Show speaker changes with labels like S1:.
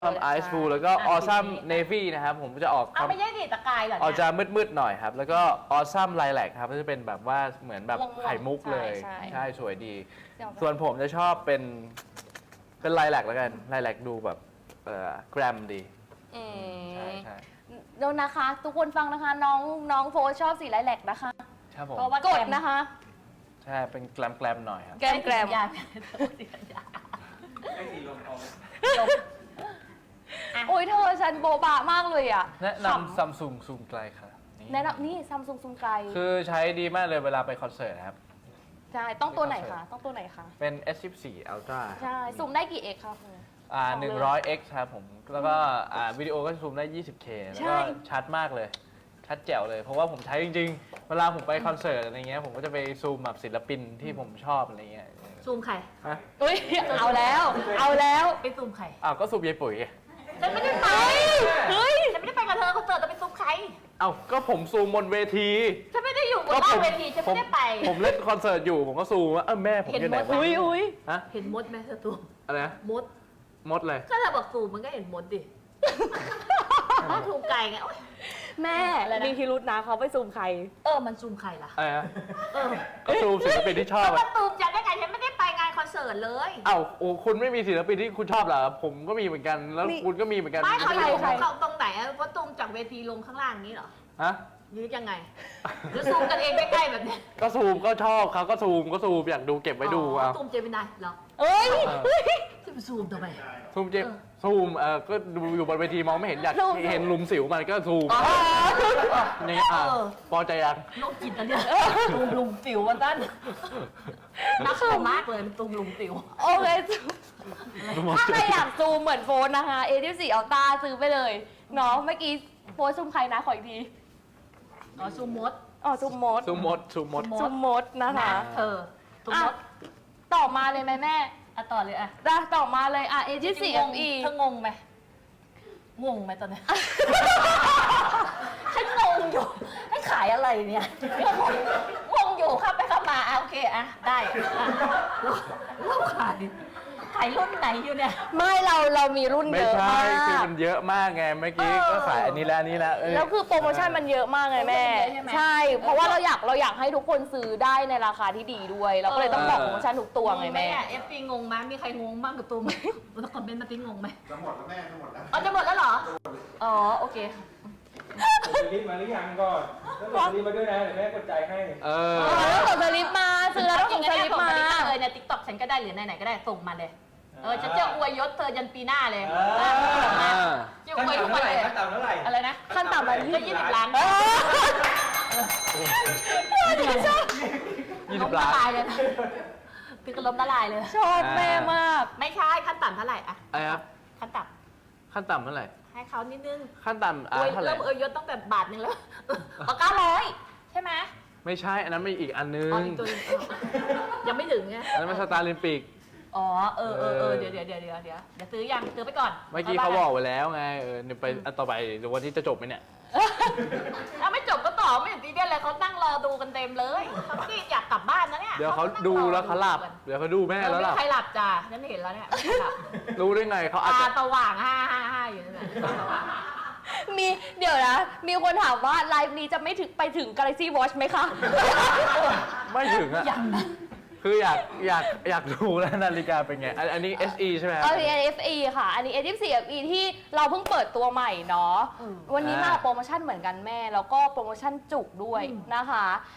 S1: ไอซ์ฟูแล้วก็ออซัมเนฟี่นะครับผมจะออก
S2: เอาไม่ใช่ดิตะกายเหรอ
S1: ออก
S2: เนี่ย
S1: จะมืดๆหน่อยครับ แล้วก็ออซัมไลแลกครับก็จะเป็นแบบว่าเหมือนแบบ
S3: ม่วงๆ
S1: ไข่มุกเลย
S3: ใช่
S1: ใช่สวยดี
S3: เดี๋ยว
S1: ส่วนผมจะชอบเป็นไลแลกแล้วกันไลแลกดูแบบแกรมดี
S3: อืม
S1: ใช่ใช่
S3: เดี๋ยวนะคะ ทุกคนฟังนะคะ น้องโฟชอบสีไลแลกนะคะ
S1: ครับผม
S2: เพราะว่าก
S3: ดนะคะ
S1: ใช่เป็นแกรมหน่อยครับ
S3: แกมแกรม
S2: ยา
S3: โอ้ยเธอฉันโบบะมากเลยอ่ะ
S1: แนะนำซัมซุงซูมไกลค่ะ
S3: แนะนำนี่ซัมซุงซูมไกล
S1: คือใช้ดีมากเลยเวลาไปคอนเสิร์ตนะครับ
S3: ใช่ต้องตัวไหนคะต้องตัวไหนคะ
S1: เป็น S14 Ultra
S3: ใช่ซูมได้กี่เอกคะคุณ
S1: 100x ครับผม แล้วก็วิดีโอก็ซูมได้ 20K แล้ว
S3: ใช่
S1: ก็ชัดมากเลย ชัดแจ๋วเลย เพราะว่าผมใช้จริงๆ เวลาผมไปคอนเสิร์ตอะไรเงี้ย ผมก็จะไปซูมแบบศิลปินที่ผมชอบอะไรเงี้ย
S2: ซูมใคร
S1: ฮะ
S3: อุ้ยเอาแล้ว เอาแล้ว
S2: ไปซูมใคร
S1: อ้าวก็ซูมยายปุ๋ยไง
S2: ฉันไม่ได้ไป
S3: เฮ้ย
S2: ฉันไม่ได้ไปกับเธอคอนเสิร์ตจะไปซูมใคร
S1: อ้าวก็ผมซูมบนเวที
S2: ฉันไม่ได้อยู่บนหน้าเวทีฉันไม่ได้ไป
S1: ผมเล่นคอนเสิร์ตอยู่ ผมก็ซูมว่าแม่ผมอยู่ไหน
S2: เห็นหมด
S1: วะ
S3: อุ้ยอุ้ย
S1: ฮะ
S2: เห็นมดไหมเธอซูม
S1: อะไรนะ
S2: มด
S1: มดเลย
S2: ก็เธอบอกซูมมันก็เห็นมดดิถ้าซูมไกลไงโอ๊ย
S3: แม่
S2: อะไรนะ
S3: มีพิรุษนะเขาไปซูมใคร
S2: มันซูมใครล่ะ
S1: อะไรนะ
S2: เออ
S1: ก็ซูมศิลปินที่ชอบ
S2: ก็
S1: อะ
S2: มาซูมจากได้ไงฉันไม่ได้ไปงานคอนเสิร์ตเลย
S1: อ้าวโอ้คุณไม่มีศิลปินที่คุณชอบเหรอ ผมก็มีเหมือนกัน แล้ว
S3: นี่
S1: คุณก็มีเหมือนกัน
S2: ไม่เขา
S1: ใช่
S2: ซูม
S1: ไหม
S2: เขาตรงไหนอะว่าซูมจากเวทีลงข้างล่างนี้เหรอ
S1: ฮะ
S2: ยืดยังไงหรือซูมกันเองใกล้ๆแบบนี้
S1: ก็ซูมก็ชอบเขาก็ซูมอยากดูเก็บไว้ดูเอา
S2: ซูมเจมินายเหรอ
S3: เอ้ย
S2: จะไปซูมทำไม
S1: ซูมเจ็บซูมก็ดูอยู่บนเวทีมองไม่เห็นอยาก
S3: ซูม
S1: เห็นหลุมสิวมันก็ซูม
S2: อ๋อ
S1: นี่พอใจยัง
S2: โรคจิตอันเนี้ยตูมลุมสิววันนั้นน่ากลัวมากเลยมันตูมลุมสิว
S3: โอเคถ้าใครอยากซูมเหมือนโฟนนะคะ A14 Ultra ซื้อไปเลยเนาะเมื่อกี้โฟนซูมใครนะขออีกที
S2: อ๋อซูมมด
S3: อ๋อซูมมด
S1: ซูมมด
S3: ซูมมดนะคะ
S2: เธอซูมมด
S3: ต่อมาเลยไหมแม่
S2: ต่อเลยอ่ะ
S3: ต่อมาเลยA14 FE
S2: เธองงไหมงงไหมตอนนี้ ฉันงงอยู่ให้ขายอะไรเนี่ยงงอยู่ครับไปเข้ามาโอเคได้เราขายรุ่นไหนอยู่เนี่ย
S3: ไม่เรามีรุ่น
S1: ไม่
S3: เยอะ
S1: ใช่
S3: มาก
S1: คือมันเยอะมากไงเมื่อกี้ก็ขายอันนี้แล้วอันนี้แล้ว
S3: แล้วคือโปรโมชั่นมันเยอะมากไงแม่
S2: เยอะใช่ไหม
S3: ใช่ เพราะว่าเราอยากให้ทุกคนซื้อได้ในราคาที่ดีด้วย เราก็เลยต้องบอกโปรโมชั่นทุกตัวไงแม่
S2: เอฟซีงงไหมมีใครงงบ้างกับตัวไหมทุกคนเป็นมาติ้งงงไหม
S4: จะหมดแล้วแม่จะหมดแล้ว
S2: จะหมดแล้วเหรออ๋อโอเค
S5: ส่งสลิปมาหรือยังก่อนแล้วส่งสลิปมาด้วยนะเดี๋ยวแม่กดจ่ายให้
S3: ต้องส่งสลิปมาซื้อแล้วต้องส่งสลิปมา
S2: เลยในทิกตอกฉันก็ได้หรือไหนๆก็ได้ส่งมาเลยฉันจะอวยยศเธอยันปีหน้าเลยจะอ
S5: ขั้น
S2: วยทุก
S5: ต่ำ
S2: วัน
S5: เท่าไหร่
S2: เลย
S5: ขั้นต่ำเท่าไหร่
S2: อะไรนะ
S3: ขั้นต่ำละ
S2: ก็20 ล้าน
S1: 20 ล้าน
S2: ละลายเลยพี่ก็ล้มละลายเลย
S3: ชอบแม่มาก
S2: ไม่ใช่ขั้นต่ำเท่าไหร่อะ
S1: อะไรครับ
S2: ขั้นต่
S1: ขั้นต่ำเท่าไหร่
S2: ำให้เขานิดนึง
S1: ขั้นต่ำ
S2: อวย
S1: เท่าไหร่
S2: เริ่มอวยยศตั้งแต่บาทนึงแล้ว900ใช่ไหม
S1: ไม่ใช่อันนั้นมีอีกอันนึ
S2: อ๋อง อีกตัวนึงยังไม่ถึงไง
S1: อันนั้นมันสตาร์ลิมปิก
S2: อ๋อเดี๋ยวซื้อยังซื้อไปก่อน
S1: เมื่อกี้เขาบอกไว้แล้วไงเดี๋ยวไปอันต่อไปเดี๋ยววันที่จะจบไหมเนี่ย
S2: ถ้าไม่จบก็ต่อไม่เห็นตีเดียนเลยเขานั่งรอดูกันเต็มเลยเขาไม่ได้อยากกลับบ้านนะเนี่ย
S1: เดี๋ยวเขาดูแล้วเขาหลับ เดี๋ยวเขาดูแม่แล้วห
S2: ไม่
S1: ลับ
S2: ใครหลับจ้ะฉันเห็นแล้วเนี่ยไม่หลับ
S1: รู้ได้ไงเขาอาจ
S2: ตา
S1: จะ
S2: สว่าง555อยู่นั่นแหละตาสว่าง
S3: เดี๋ยวนะ มีคนถามว่าไลฟ์นี้จะไม่ถึงไปถึง Galaxy Watch ไหมคะ
S1: ไม่ถึงอะ
S2: ยังนะ
S1: คืออยากดูแล้วนาฬิกาเป็นไง อันนี้ SE ใช่ไหมครับ
S3: อันนี้ FE ค่ะ อันนี้ A14 FE ที่เราเพิ่งเปิดตัวใหม่เนาะ วันนี้มาโปรโมชั่นเหมือนกันแม่ แล้วก็โปรโมชั่นจุกด้วยนะคะ